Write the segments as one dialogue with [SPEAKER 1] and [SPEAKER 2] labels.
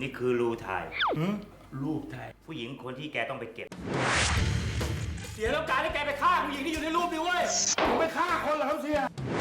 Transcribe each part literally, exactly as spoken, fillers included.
[SPEAKER 1] นี่คือรูถ่าย
[SPEAKER 2] รูปถ่าย
[SPEAKER 1] ผู้หญิงคนที่แกต้องไปเก็บ
[SPEAKER 2] เสียแล้วการที่แกไปฆ่าผู้หญิงที่อยู่ในรูปนี้เว้ยผมไม่ฆ่าคนเหรอครับเสีย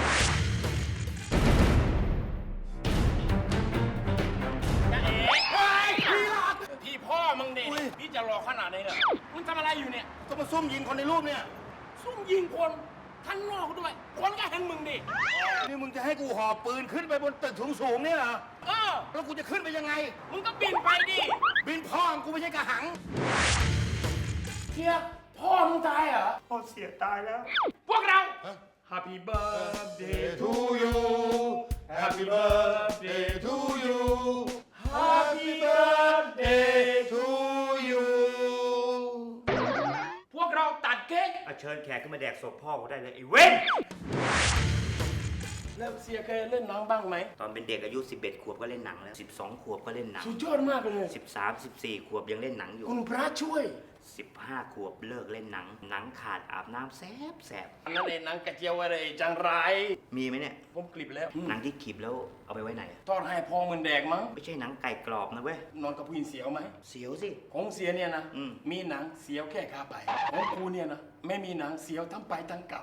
[SPEAKER 2] จะเอ๋พี่หลักพี่พ่อมึงเด็กพี่จะรอขนาดนี้เหรอมึงทำอะไรอยู่เนี่ยก็มาซุ่มยิงคนในรูปเนี่ยซุ่มยิงคนข้างนอกด้วยคนก็เห็นมึงดินี่มึงจะให้กูหอบปืนขึ้นไปบนตึกสูงๆเนี่ยเหรอเออแล้วกูจะขึ้นไปยังไงมึงก็บินไปดิบินพ่อกูไม่ใช่กระหังเฮียพ่อมึงตายเหรอพ่อเสียตายแล้วพวกเรา Happy birthday to you Happy birthday to you Happy birthday to you พวกเราตัดเค้ก
[SPEAKER 1] เอาเชิญแขกขึ้นมาแดกศพพ่อกูได้เลยไอ้เว้น
[SPEAKER 2] แล้วเสียเคยเล่นหนังบ้างไหม
[SPEAKER 1] ตอนเป็นเด็กอายุสิบเอ็ดขวบก็เล่นหนังแล้วสิบสองขวบก็เล่นหนัง
[SPEAKER 2] สุดยอดมากเลย
[SPEAKER 1] สิบสาม สิบสี่ขวบยังเล่นหนังอยู่
[SPEAKER 2] คุณพระช่วย
[SPEAKER 1] สิบห้าขวบเลิกเล่นหนัง หนังขาดอาบน้ำแสบแสบ
[SPEAKER 2] อันนั้นเองหนังกระเจียวอะไรจังไร
[SPEAKER 1] มีไหมเนี่ย
[SPEAKER 2] ผมกลิบแล้ว
[SPEAKER 1] หนังที่ขีบแล้วเอาไปไว้ไหนอะ
[SPEAKER 2] ทอดให้พ่อมึงแดกมั้ง
[SPEAKER 1] ไม่ใช่หนังไก่กรอบนะเว้ย
[SPEAKER 2] นอนกับผู้หญิงเสียวไหม
[SPEAKER 1] เสียวสิ
[SPEAKER 2] ของเสียเนี่ยนะ
[SPEAKER 1] อืม
[SPEAKER 2] มีหนังเสียวแค่ขาไปของกูเนี่ยนะไม่มีหนังเสียวทั้งไปทั้งกลับ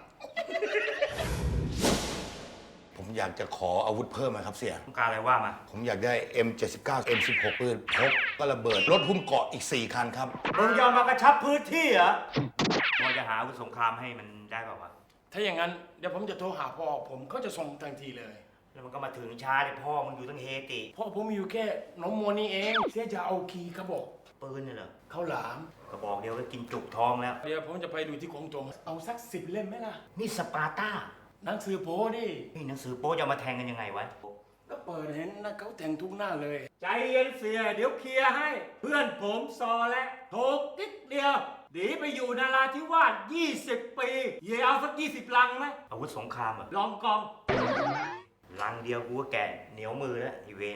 [SPEAKER 3] ผมอยากจะขออาวุธเพิ่มนะครับเสีย
[SPEAKER 1] ต้องการอะไรว่ามา
[SPEAKER 3] ผมอยากได้ เอ็ม เจ็ดสิบเก้า เอ็ม สิบหก ปืนพกก็ระเบิด รถหุ้มเกาะอีก สี่ คันครับ
[SPEAKER 1] มึงยอมมากระชับพื้นที่เหรอพอจะหาอาวุธสงครามให้มันได้เปล่าวะ
[SPEAKER 2] ถ้าอย่างนั้นเดี๋ยวผมจะโทรหาพ่อผมก็จะส่งทันทีเลย
[SPEAKER 1] แล้วมันก็มาถึงช้าเลยพ่อมึงอยู่ตั้งเฮติ
[SPEAKER 2] พ่อผมอยู่แค่น้องโมนี่เองเสียจะเอาคีย์กระบอก
[SPEAKER 1] ปืนเนี่ยเหรอ
[SPEAKER 2] ข้าวหลาม
[SPEAKER 1] กระบอกเดียวก็กินจุกท้องแล้ว
[SPEAKER 2] เดี๋ยวผมจะไปดูที่กองโจมเอาสักสิบเล่มไหมล่ะ
[SPEAKER 1] นี่สปาร์ต้า
[SPEAKER 2] หนังสือโป้ดิ
[SPEAKER 1] นี่หนังสือโป๊จะเอามาแทงกันยังไงวะ
[SPEAKER 2] ก็เปิดเห็นนะเขาแต่งทุกหน้าเลย
[SPEAKER 4] ใจเย็นเสียเดี๋ยวเคลียร์ให้ เพื่อนผมซอและถูกนิดเดียวหนีไปอยู่นาราธิวาสยี่สิบปีเย่เอาสักยี่สิบลังไหม
[SPEAKER 1] อาวุธสงครามเหรอ
[SPEAKER 4] ลองกอง
[SPEAKER 1] ลังเดียวกูก็แก่เหนียวมือแล้วอีเวน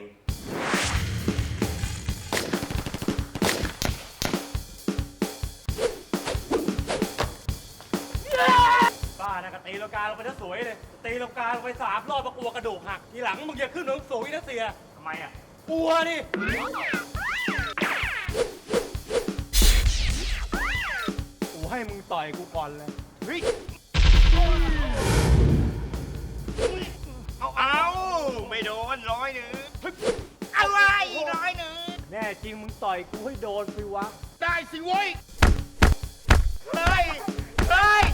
[SPEAKER 4] บ้านะก็ตีลังกาลงไปถ้าสวยเลย ตีลังกาลงไปสามรอบมากลัวกระดูกหัก ทีหลังมึงอย่าขึ้นหนังสูงนะเสีย
[SPEAKER 1] ทำไมอ่ะ
[SPEAKER 4] กลัวนี่ กูให้มึงต่อยกูก่อนเลย เฮ้ย
[SPEAKER 1] เอาเอาไม่โดนร้อยหนึ่งอะไรอีกร้อยหนึ่ง
[SPEAKER 4] แน่จริงมึงต่อยกูให้โดนสิวะ
[SPEAKER 2] ได้สิเว้ย
[SPEAKER 1] เฮ้ย เฮ้ย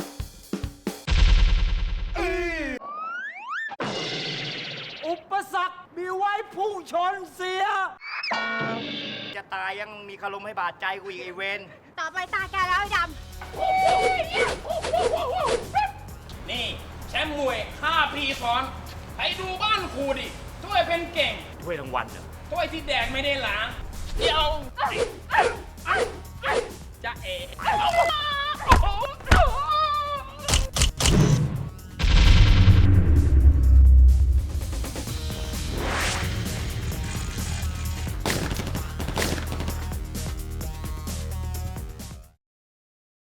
[SPEAKER 4] อุปสรรคมีไว้พุ่งชนเสีย
[SPEAKER 1] จะตายยังมีคารมให้บาดใจกูอีกไอเวน
[SPEAKER 5] ต่อไปตาแกแล้วไอ้ด
[SPEAKER 2] นี่แชมป์มวยห้าปีซ้อนไปดูบ้านครูดิถ้วยเป็นเก่ง
[SPEAKER 1] ถ้วยรางวัลเหรอ
[SPEAKER 2] ถ้วยที่แดกไม่ได้ล้างเดี๋ยวจะเอ๋